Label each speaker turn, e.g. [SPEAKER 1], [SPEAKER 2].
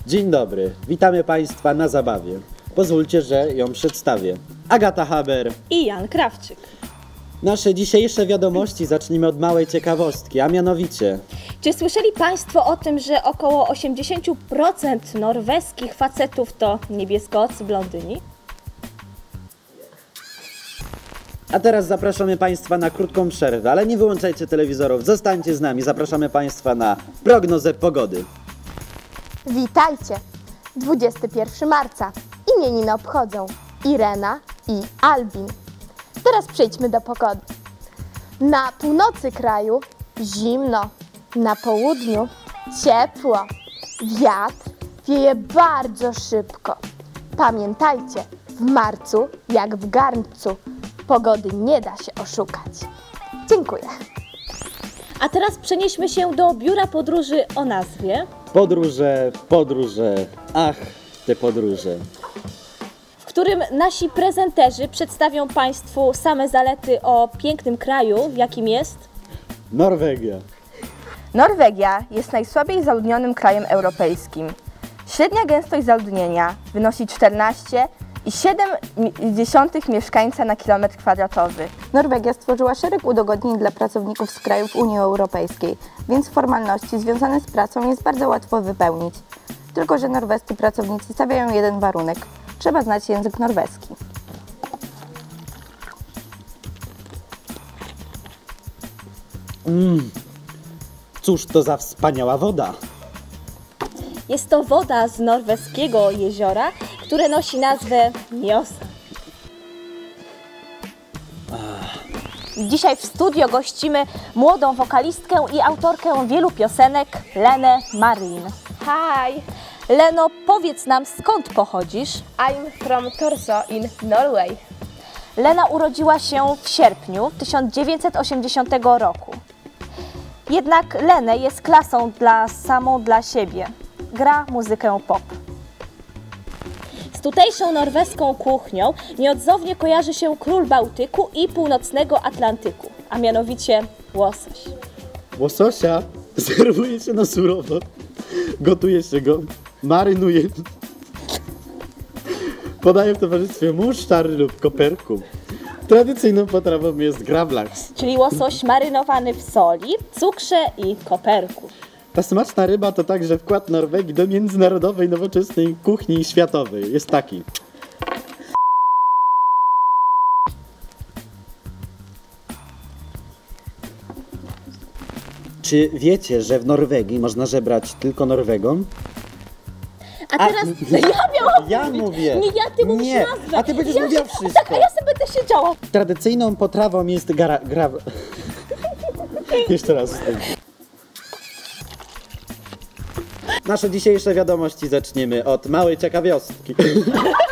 [SPEAKER 1] Dzień dobry, witamy Państwa na zabawie. Pozwólcie, że ją przedstawię. Agata Haber
[SPEAKER 2] i Jan Krawczyk.
[SPEAKER 1] Nasze dzisiejsze wiadomości zacznijmy od małej ciekawostki, a mianowicie...
[SPEAKER 2] Czy słyszeli Państwo o tym, że około 80% norweskich facetów to niebieskocy blondyni?
[SPEAKER 1] A teraz zapraszamy Państwa na krótką przerwę, ale nie wyłączajcie telewizorów, zostańcie z nami. Zapraszamy Państwa na prognozę pogody.
[SPEAKER 3] Witajcie! 21 marca. Imieniny obchodzą Irena i Albin. Teraz przejdźmy do pogody. Na północy kraju zimno, na południu ciepło. Wiatr wieje bardzo szybko. Pamiętajcie, w marcu jak w garncu pogody nie da się oszukać. Dziękuję.
[SPEAKER 2] A teraz przenieśmy się do biura podróży o nazwie
[SPEAKER 1] Podróże, ach, te podróże.
[SPEAKER 2] w którym nasi prezenterzy przedstawią Państwu same zalety o pięknym kraju, jakim jest
[SPEAKER 1] Norwegia.
[SPEAKER 4] Norwegia jest najsłabiej zaludnionym krajem europejskim. Średnia gęstość zaludnienia wynosi 14,7 mieszkańca na kilometr kwadratowy.
[SPEAKER 5] Norwegia stworzyła szereg udogodnień dla pracowników z krajów Unii Europejskiej, więc formalności związane z pracą jest bardzo łatwo wypełnić. Tylko że norwescy pracownicy stawiają jeden warunek – trzeba znać język norweski.
[SPEAKER 1] Cóż to za wspaniała woda.
[SPEAKER 2] Jest to woda z norweskiego jeziora, które nosi nazwę Mjosa. Dzisiaj w studio gościmy młodą wokalistkę i autorkę wielu piosenek, Lenę Marin.
[SPEAKER 4] Hi,
[SPEAKER 2] Leno, powiedz nam, skąd pochodzisz?
[SPEAKER 4] I'm from Torso in Norway.
[SPEAKER 2] Lena urodziła się w sierpniu 1980 roku. Jednak Lenę jest klasą samą dla siebie. Gra muzykę pop. Z tutejszą norweską kuchnią nieodzownie kojarzy się król Bałtyku i północnego Atlantyku, a mianowicie łosoś.
[SPEAKER 1] Łososia serwuje się na surowo, gotuje się go, marynuje, podaje w towarzystwie musztary lub koperku. Tradycyjną potrawą jest gravlax.
[SPEAKER 2] Czyli łosoś marynowany w soli, cukrze i koperku.
[SPEAKER 1] Ta smaczna ryba to także wkład Norwegii do międzynarodowej, nowoczesnej kuchni światowej. Jest taki. Czy wiecie, że w Norwegii można żebrać tylko Norwegom?
[SPEAKER 2] A teraz
[SPEAKER 1] Ja mówię.
[SPEAKER 2] Nie, ty mówisz
[SPEAKER 1] Nie,
[SPEAKER 2] nazwę.
[SPEAKER 1] a ty będziesz mówiła wszystko.
[SPEAKER 2] Tak, a ja sobie będę siedziała.
[SPEAKER 1] Tradycyjną potrawą jest Jeszcze raz. Nasze dzisiejsze wiadomości zaczniemy od małej ciekawostki.